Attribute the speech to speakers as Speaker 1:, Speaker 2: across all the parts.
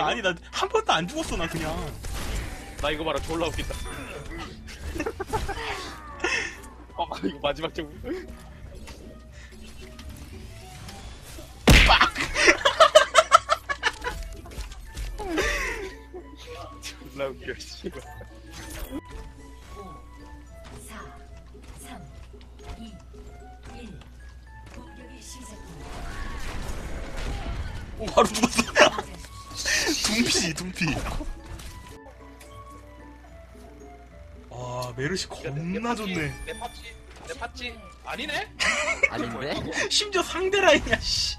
Speaker 1: 아니 나 한 번도 안 죽었어 나 그냥.
Speaker 2: 나 이거 봐라 졸라 웃긴다. 이거 마지막 점.
Speaker 1: 빡!
Speaker 2: 졸라 웃겨 씨발.
Speaker 3: 4, 3, 2, 1. 공격이 시작됩니다.
Speaker 1: 오 바로 죽었어. 둠피. 와 메르시 겁나 좋네.
Speaker 2: 내 팠지? 아니네?
Speaker 4: 아닌데?
Speaker 1: 심지어 상대 라인이야 씨.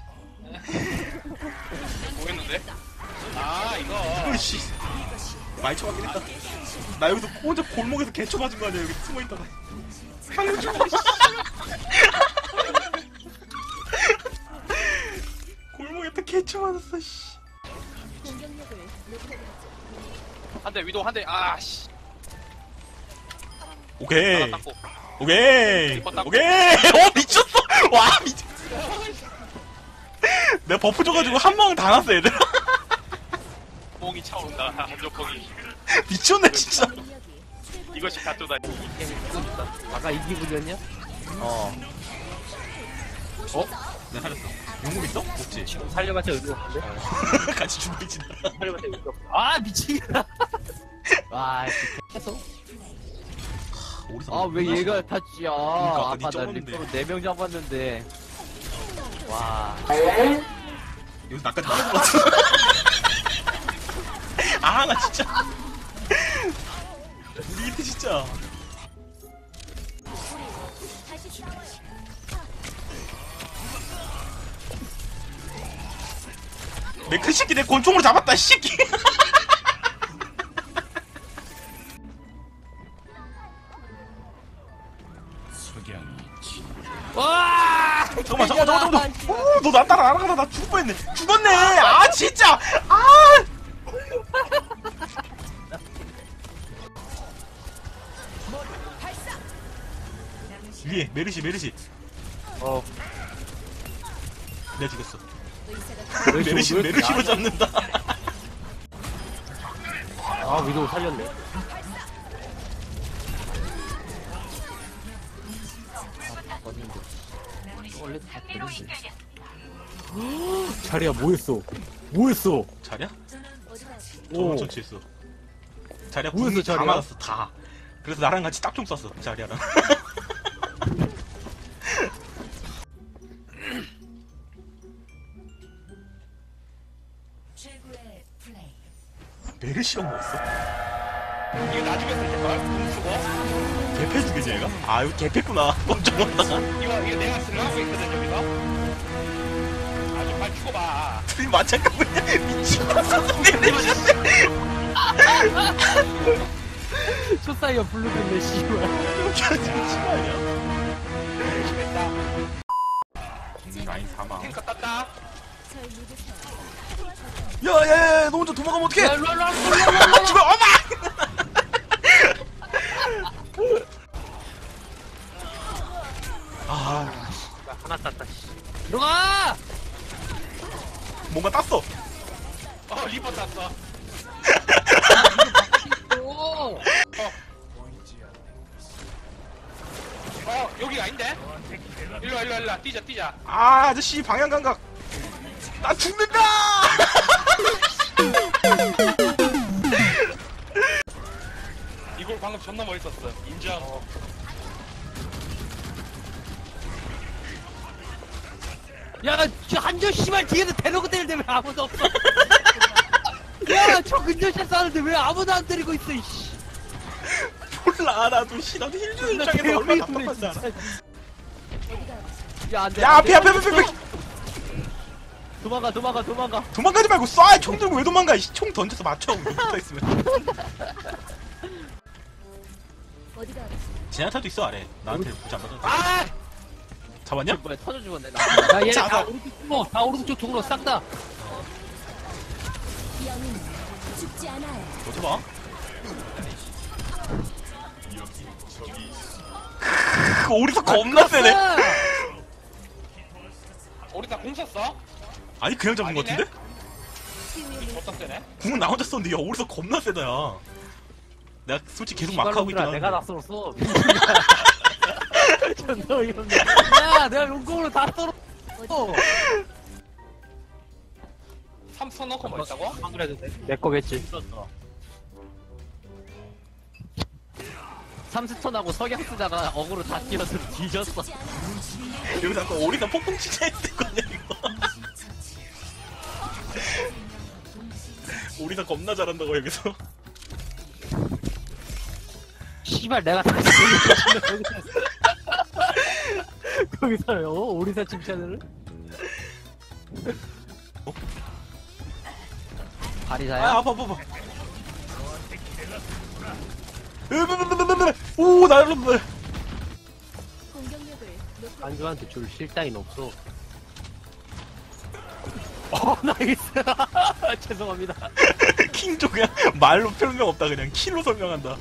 Speaker 2: 뭐했는데? 아 이거.
Speaker 1: 씨. 많이 쳐맞긴 했다. 나 여기서 혼자 골목에서 개쳐 맞은 거 아니야 여기 숨어 있다가. 살려줘. 골목에다 개쳐 맞았어 씨.
Speaker 2: 한 대 위도 한 대. 아 씨.
Speaker 1: 오케이.
Speaker 2: 하나 닦고.
Speaker 1: 오케이.
Speaker 2: 닦고.
Speaker 1: 오케이. 미쳤어. 와 미쳤. 내가 버프 줘가지고 한 방울 다 났어 얘들.
Speaker 2: 뽕이 차오른다. 한조뽕이.
Speaker 1: 미쳤네 진짜.
Speaker 2: 이것이 가토다.
Speaker 4: 아까 이 기분이었냐? 어.
Speaker 1: 내가 살렸어. 용금 있어? 없지.
Speaker 4: 살려봤자 의미 없는데?
Speaker 1: 같이 죽어있진다.
Speaker 4: 살려봤자 의미 없어. 아, 미치겠다. 와, 계속. 아, 왜 얘가 탔지야.
Speaker 1: 아까
Speaker 4: 아까
Speaker 1: 니
Speaker 4: 나
Speaker 1: 쩔었는데.
Speaker 4: 리퍼로 4명 잡았는데. 와.
Speaker 1: 여기서 나까지 맞은 것 같아. 아, 나 진짜. 우리 이때 진짜. 내 큰 새끼 내 권총으로 잡았다, 이 새끼.
Speaker 4: 와!
Speaker 1: 잠깐만. 오, 너 나 따라 알아가다 나 죽을 뻔했네. 죽었네. 아, 진짜. 아. 위에 메르시.
Speaker 4: 어.
Speaker 1: 내가 죽였어. 메르시로 잡는다.
Speaker 4: 아, 위도우 살렸네. 어딘데? 원래 다 되는데. 자리야, 뭐했어?
Speaker 1: 자리야?
Speaker 4: 오.
Speaker 1: 저번 처치했어. 자리야
Speaker 4: 뭐였어,
Speaker 1: 궁이 다
Speaker 4: 자리야?
Speaker 1: 맞았어 다. 그래서 나랑 같이 딱총 쐈어 자리야랑.
Speaker 3: 최고의 플레이.
Speaker 1: 메르시가 뭐였어?
Speaker 2: 이거 나중에 쓸 때걸? 공 쓰고.
Speaker 1: 개패 죽이지 얘가? 아 이거 개패구나. 깜짝 놀랐다가.
Speaker 2: 이거 내가 쓰려고 하고 있거든 여기서. 아주 빨리 죽어봐.
Speaker 1: 둘이 맞짱가보냐? 미친놈 메르시한테.
Speaker 4: 초사이어 블루겠네, 씨발.
Speaker 1: 심하냐?
Speaker 2: 됐다.
Speaker 1: 라인 사망.
Speaker 2: 탱커 땄다.
Speaker 1: 야야야 너 혼자 도망가면 어떡해?
Speaker 4: 야, 일로
Speaker 1: 죽어 엄마! 아
Speaker 4: 하나 땄다, 씨. 들어가!
Speaker 1: 뭔가 땄어.
Speaker 2: 리버 땄어.
Speaker 4: 오!
Speaker 2: 여기 아닌데? 일로와 뛰자.
Speaker 1: 아 아저씨 방향 감각. 나 죽는다.
Speaker 2: 이걸 방금 존나 멋있었어. 인정.
Speaker 4: 야, 저 한조 씨발 뒤에서 대놓고 때리는데 왜 아무도 없어? 야, 저 근접샷 쐈는데 왜 아무도 안 때리고 있어, 이씨.
Speaker 1: 몰라 나도 씨 나도 힐주는 입장에서 얼마나 답답한지 알아.
Speaker 4: 야, 안 돼.
Speaker 1: 야
Speaker 4: 안 돼.
Speaker 1: 앞에
Speaker 4: 도망가.
Speaker 1: 도망가지 말고 쏴. 총 들고 왜 도망가? 총 던져서 맞춰. 붙어 있으면.
Speaker 3: 어디가
Speaker 1: 제나타도 있어 아래. 나한테 붙지 안 맞아.
Speaker 2: 아!
Speaker 1: 잡았냐?
Speaker 4: 뭐야, 터져 죽었네. 야, 얘
Speaker 1: 잡아.
Speaker 4: 다 오른쪽 통로, 다 오른쪽 통로 싹 다.
Speaker 3: 영웅 죽지 않아요.
Speaker 1: 어디 봐? 오리사 겁나 세네.
Speaker 2: 우리 다 공 썼어?
Speaker 1: 아니 그냥 잡은 거
Speaker 2: 아니네?
Speaker 1: 같은데?
Speaker 2: 어떤 때네?
Speaker 1: 궁은 나 혼자 썼는데 야 오리사 겁나 세다 야. 내가 솔직히 계속 막 하고 있긴
Speaker 4: 내가 다
Speaker 1: 한데.
Speaker 4: 썰었어. 존나 어이없네. 야, 내가 용공으로 다 썰었어.
Speaker 2: 삼선 넣고 뭐 있다고?
Speaker 4: 안 그래도 돼. 내 거겠지. 삼스톤하고 석양 쓰다가 어그로 다 뛰어서 뒤졌어.
Speaker 1: 여기서 아까 오리사 폭풍 치자 했거든요 이거. 오리사 겁나 잘한다고 여기서.
Speaker 4: 씨발 내가 다시 거기서요 오리사 칭찬을? 바리사야?
Speaker 1: 아 아파. 오 날렸네.
Speaker 3: 공격력을 높여
Speaker 4: 안주한테 줄 실따윈 없어. 나이스. 죄송합니다.
Speaker 1: 킹조 그냥 말로 설명 없다 그냥 키로 설명한다.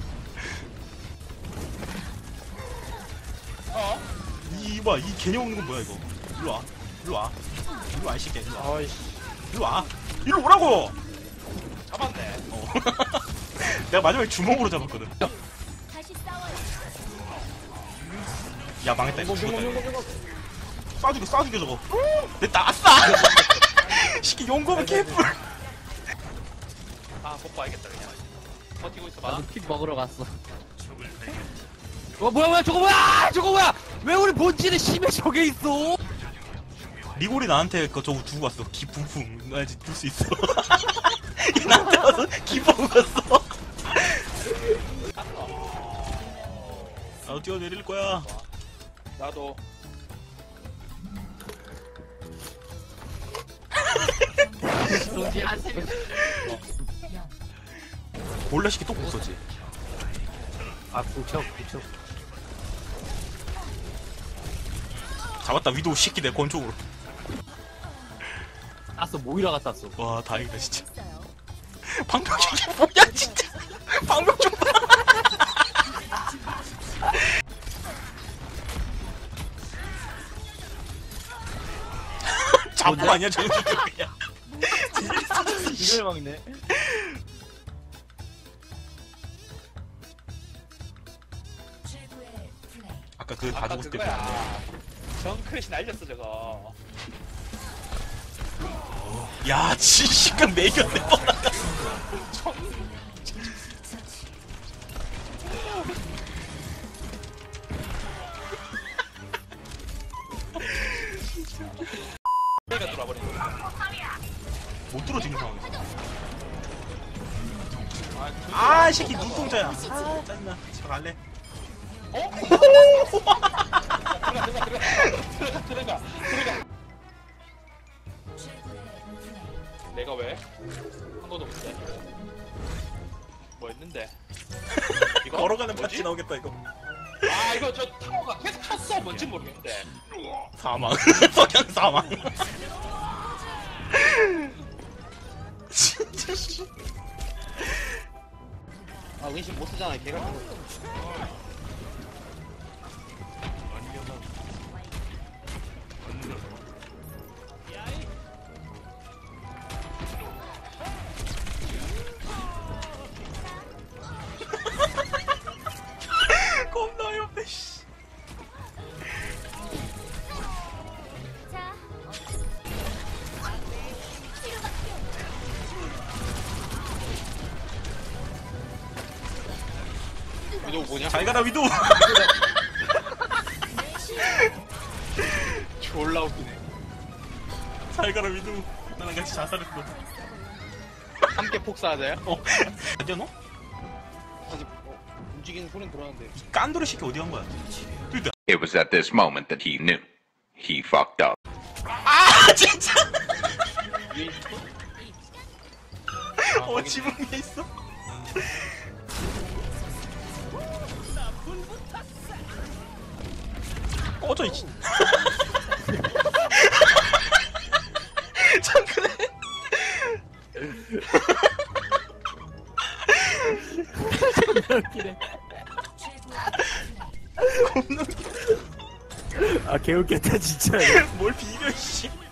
Speaker 1: 이봐 이 개념 없는 건 뭐야 이거. 일로 와 이 새끼야 일로 와.
Speaker 2: 어이씨.
Speaker 1: 일로 오라고.
Speaker 2: 잡았네.
Speaker 1: 내가 마지막에 주먹으로 잡았거든.
Speaker 3: 다시 싸워요.
Speaker 1: 야 망했다 이거 죽었다 이거. 쏴죽여 저거. 됐다 아싸. 시키 용검은 개뿔.
Speaker 2: 아, 못 봐야겠다, 그냥. 버티고 있어봐.
Speaker 4: 나도 픽 먹으러 갔어. 뭐야 저거 뭐야? 왜 우리 본질에 심해 저게 있어?
Speaker 1: 리골이 나한테 그 저거 두고 갔어. 기풍풍 나 이제 둘 수 있어. 얘 나한테 와서 기풍 갔어. 나도 뛰어내릴 거야.
Speaker 2: 나도.
Speaker 4: 동지 한 세.
Speaker 1: 몰래 시키 또 부서지.
Speaker 4: 아 부쩍.
Speaker 1: 잡았다 위도우 시키 내 권총으로.
Speaker 4: 땄어 모이라가 땄어.
Speaker 1: 와 다행이다 진짜.
Speaker 3: 있어요.
Speaker 1: 방금 이게 뭐야 진짜. 방금 좀 봐. 잡고 아니야 저거 그냥.
Speaker 4: 이걸 막네.
Speaker 3: 최고의 플레이.
Speaker 1: 아까 그 다
Speaker 2: 아까
Speaker 1: 죽었을 때.
Speaker 2: 그거야. 정크래시 날렸어, 저거.
Speaker 1: 야 진심각 매겼네 뻔하다.
Speaker 2: 내가 돌아버린 거.
Speaker 1: 못 들어 지금 상황에서.
Speaker 2: 아,
Speaker 1: 아 새끼 눈동자야. 아 짜증나. 집에 갈래.
Speaker 2: 들어가.
Speaker 3: 최고의 플레이.
Speaker 2: 내가 왜? 한 번도 못해. 뭐 했는데? 이거?
Speaker 1: 걸어가는
Speaker 2: 뭐지?
Speaker 1: 파티 나오겠다 이거.
Speaker 2: 아, 이거 저 타워가 계속 탔어. 뭔지 모르겠는데.
Speaker 1: 사망. 석양 사망. 진짜 씨.
Speaker 4: 아 은신 못 쓰잖아 개 같은 거.
Speaker 1: 겁나 어이없네 씨.
Speaker 3: 자,
Speaker 2: 이거 뭐냐?
Speaker 1: 잘 가라 위도.
Speaker 2: 졸라 웃기네.
Speaker 1: 잘 가라 위도. 나랑 같이 자살했어.
Speaker 2: 함께 폭사하자요?
Speaker 1: 어디야 너?
Speaker 2: 아직 움직이는 소리는 들었는데.
Speaker 1: 깐도레 시키 어디 간 거야? 됐다.
Speaker 5: It was at this moment that he knew. He fucked up.
Speaker 1: 아 진짜.
Speaker 2: 위에 있어?
Speaker 1: 지붕 위에 있어. 꺼져 이. 잠깐만. 겁나 웃기다.
Speaker 4: 아 개웃겼다 진짜.
Speaker 1: 뭘 비벼 씨.